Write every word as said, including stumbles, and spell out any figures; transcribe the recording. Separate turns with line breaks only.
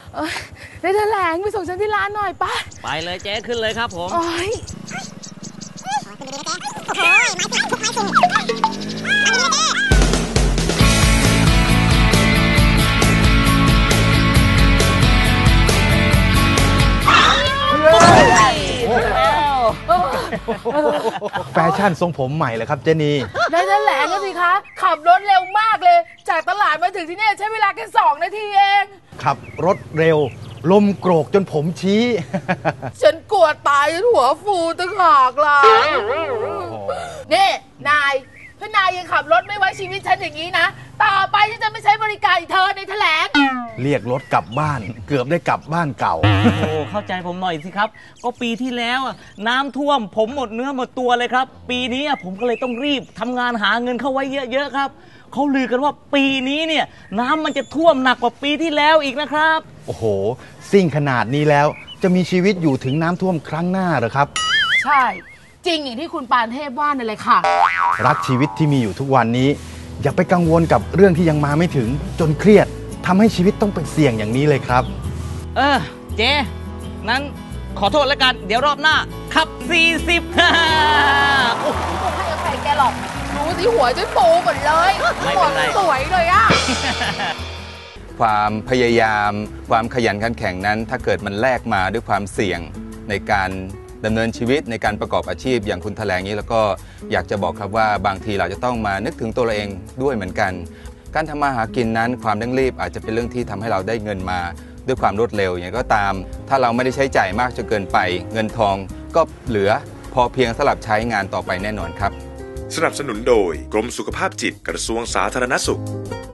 ได้แถลงไปส่งฉันที่ร้านหน่อยป่ะ
ไปเลยเจ๊ขึ้นเลยครับผม
แฟชั่นทรงผมใหม่เลยครับเจนี
ได้แถลงกันสิคะขับรถเร็วมากเลยจากตลาดมาถึงที่นี่ใช้เวลาแค่สองนาทีเอง
ขับรถเร็วลมโกรกจนผมชี้
ฉันกลัวตายจนหัวฟูตั้งหากล่ะนี่นายถ้านายยังขับรถไม่ไว้ชีวิตฉันอย่างนี้นะต่อไปฉันจะไม่ใช้บริการอีกเธอในแถลง
เรียกรถกลับบ้านเกือบได้กลับบ้านเก่า
โอ้เข้าใจผมหน่อยสิครับก็ปีที่แล้วน้ำท่วมผมหมดเนื้อหมดตัวเลยครับปีนี้ผมก็เลยต้องรีบทำงานหาเงินเข้าไว้เยอะๆครับเขาลือกันว่าปีนี้เนี่ยน้ำมันจะท่วมหนักกว่าปีที่แล้วอีกนะครับ
โอ้โหซิ่งขนาดนี้แล้วจะมีชีวิตอยู่ถึงน้ำท่วมครั้งหน้าหรือครับ
ใช่จริงอย่างที่คุณปานเทพว่านั่นเลยค่ะ
รักชีวิตที่มีอยู่ทุกวันนี้อย่าไปกังวลกับเรื่องที่ยังมาไม่ถึงจนเครียดทำให้ชีวิตต้องไปเสี่ยงอย่างนี้เลยครับ
เออเจ๊นั้นขอโทษแล้วกันเดี๋ยวรอบหน้าขับสี่สิบฮ่า
โอ้ไม่ให้อภัยแกหรอกรู้สิหัวจนโผล่หมดเลยหัวสวยเลยอะ
ความพยายามความขยันขันแข็งนั้นถ้าเกิดมันแลกมาด้วยความเสี่ยงในการดำเนินชีวิตในการประกอบอาชีพอย่างคุณแถลงนี้แล้วก็อยากจะบอกครับว่าบางทีเราจะต้องมานึกถึงตัวเราเองด้วยเหมือนกันการทำมาหากินนั้นความเร่งรีบอาจจะเป็นเรื่องที่ทำให้เราได้เงินมาด้วยความรวดเร็วอย่างก็ตามถ้าเราไม่ได้ใช้จ่ายมากจนเกินไปเงินทองก็เหลือพอเพียงสำหรับใช้งานต่อไปแน่นอนครับ
สนับสนุนโดยกรมสุขภาพจิตกระทรวงสาธารณสุข